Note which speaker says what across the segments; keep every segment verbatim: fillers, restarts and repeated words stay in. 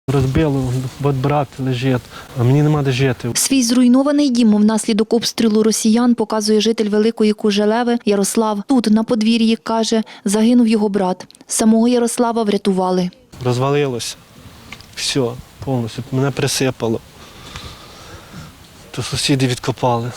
Speaker 1: Розбило, бо брат лежить, а мені нема де жити.
Speaker 2: Свій зруйнований дім внаслідок обстрілу росіян показує житель Великої Кужелеви Ярослав. Тут, на подвір'ї, каже, загинув його брат. Самого Ярослава врятували.
Speaker 1: Розвалилося. Все, повністю. Мене присипало. То сусіди відкопали.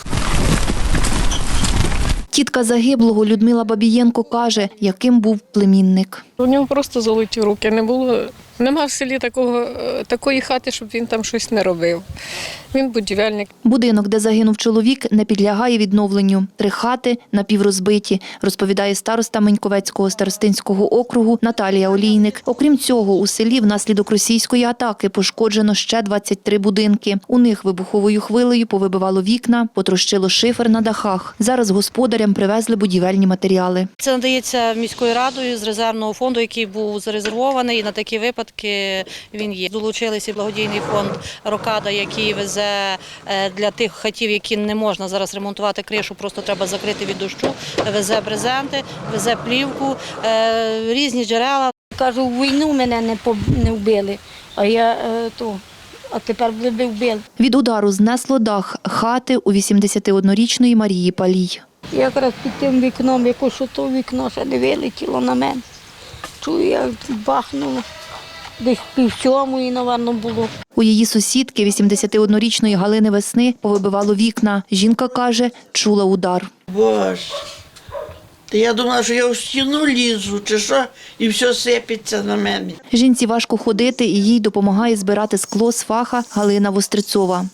Speaker 2: Тітка загиблого Людмила Бабієнко каже, яким був племінник.
Speaker 3: У нього просто золоті руки. Не було, нема в селі такого, такої хати, щоб він там щось не робив. Він будівельник.
Speaker 2: Будинок, де загинув чоловік, не підлягає відновленню. Три хати напіврозбиті, розповідає староста Меньковецького старостинського округу Наталія Олійник. Окрім цього, у селі внаслідок російської атаки пошкоджено ще двадцять три будинки. У них вибуховою хвилею повибивало вікна, потрощило шифер на дахах. Зараз господарям привезли будівельні матеріали.
Speaker 4: Це надається міською радою з резервного фонду, який був зарезервований, і на такі випадки він є. Долучилися благодійний фонд «Рокада», який везе для тих хатів, які не можна зараз ремонтувати кришу, просто треба закрити від дощу, везе брезенти, везе плівку, різні джерела.
Speaker 5: Кажу, в війну мене не, не вбили, а я то, а тепер були вбили.
Speaker 2: Від удару знесло дах хати у вісімдесятиоднорічної Марії Палій.
Speaker 5: Якраз під тим вікном, якось то вікно ще не вилетіло на мене. Чую, як бахнуло. Десь пів сьомої, напевно, було.
Speaker 2: У її сусідки, вісімдесятиоднорічної Галини Весни, повибивало вікна. Жінка каже, чула удар.
Speaker 6: Боже, та я думала, що я в стіну лізу, чи що, і все сипеться на мене.
Speaker 2: Жінці важко ходити, і їй допомагає збирати скло з фаха Галина Вострицова.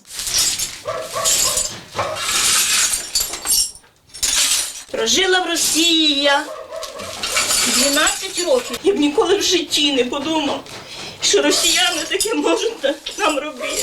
Speaker 7: Прожила в Росії я дванадцять років. Я б ніколи в житті не подумав, що росіяни таке можуть нам робити.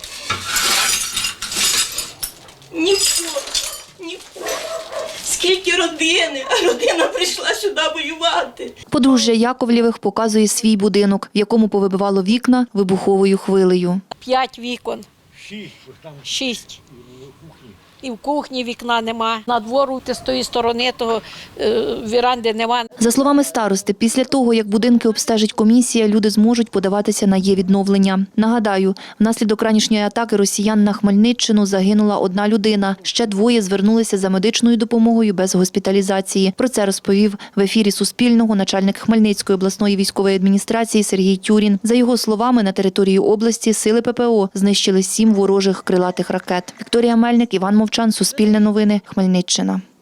Speaker 7: Ніколи, ніколи. Скільки родини, а родина прийшла сюди воювати.
Speaker 2: Подружжя Яковлєвих показує свій будинок, в якому повибивало вікна вибуховою хвилею.
Speaker 8: П'ять вікон. Шість. І в кухні вікна нема. На двору з тої сторони того е, віранди нема.
Speaker 2: За словами старости, після того, як будинки обстежить комісія, люди зможуть подаватися на є-відновлення. Нагадаю, внаслідок ранішньої атаки росіян на Хмельниччину загинула одна людина. Ще двоє звернулися за медичною допомогою без госпіталізації. Про це розповів в ефірі Суспільного начальник Хмельницької обласної військової адміністрації Сергій Тюрін. За його словами, на території області сили ППО знищили сім ворожих крилатих ракет. Вікторія Мельник, Іван Мовчан, Суспільне новини, Хмельниччина.